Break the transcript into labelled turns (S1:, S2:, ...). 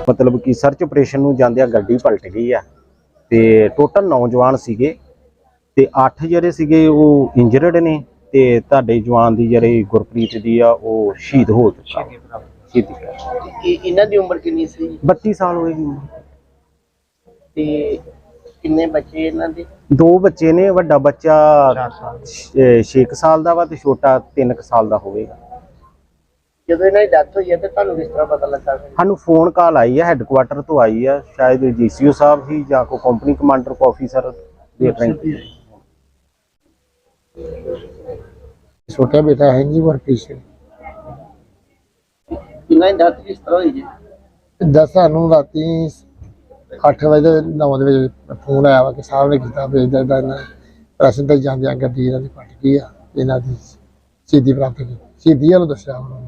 S1: मतलब कि search operation ਨੂੰ ਜਾਂਦਿਆਂ ਗੱਡੀ ਪਲਟ ਗਈ ਆ ਤੇ ਟੋਟਲ ਨੌਜਵਾਨ ਸੀਗੇ ਤੇ 8 ਜਿਹੜੇ ਸੀਗੇ ਉਹ ਇੰਜਰਡ ਨੇ ਤੇ ਤੁਹਾਡੇ ਜਵਾਨ ਦੀ ਜਿਹੜੀ ਗੁਰਪ੍ਰੀਤ ਦੀ ਆ ਉਹ ਸ਼ਹੀਦ ਹੋ ਚੁੱਕਾ ਸ਼ਹੀਦੀ।
S2: ਇਹਨਾਂ ਦੀ ਉਮਰ ਕਿੰਨੀ ਸੀ?
S1: 32 ਸਾਲ ਹੋਏਗੀ।
S2: ਤੇ ਕਿੰਨੇ ਬੱਚੇ ਇਹਨਾਂ ਦੇ?
S1: 2 ਬੱਚੇ ਨੇ, ਵੱਡਾ ਬੱਚਾ 6 ਸਾਲ ਦਾ ਵਾ ਤੇ ਛੋਟਾ 3 ਸਾਲ ਦਾ ਹੋਵੇਗਾ।
S2: ਜਦੋਂ ਇਹਨਾਂ ਦੀ ਡੈਥ ਹੋਈ ਹੈ ਤੇ ਤੁਹਾਨੂੰ ਕਿਸ ਤਰ੍ਹਾਂ ਪਤਾ ਲੱਗਾ?
S1: ਸਾਨੂੰ ਫੋਨ ਕਾਲ ਆਈ ਹੈ ਹੈੱਡਕੁਆਟਰ ਤੋਂ ਆਈ ਆ, ਸ਼ਾਇਦ ਜੀਸੀਓ ਸਾਹਿਬ ਹੀ ਜਾਂ ਕੋਈ ਕੰਪਨੀ ਕਮਾਂਡਰ ਕੋ ਆਫੀਸਰ ਦੇਖ ਰਹੇ।
S3: छोटा बेटा है जी वर्कपीस से
S2: ਇਹਨਾਂ ਦੀ ਡੈਥ ਕਿਸ ਤਰ੍ਹਾਂ ਹੋਈ ਜੀ?
S3: 10 ਨੂੰ ਰਾਤੀ 8 ਵਜੇ 9 ਵਜੇ ਫੋਨ ਆਇਆ ਵਾ ਕਿ ਸਾਹਿਬ ਨੇ ਕੀਤਾ ਵੇਚਦਾ ਦਾ ਇਹਨਾਂ ਰਸਨ ਤੇ ਜਾਂਦਿਆਂ ਗੱਡੀ ਇਹਨਾਂ ਦੀ ਪਲਟ ਗਈ ਆ, ਇਹਨਾਂ ਦੀ ਸ਼ਹੀਦੀ ਪ੍ਰਾਪਤ ਕੀਤੀ। ਸ਼ਹੀਦੀ ਵੱਲੋਂ ਦੱਸਿਆ ਉਹਨਾਂ ਨੇ।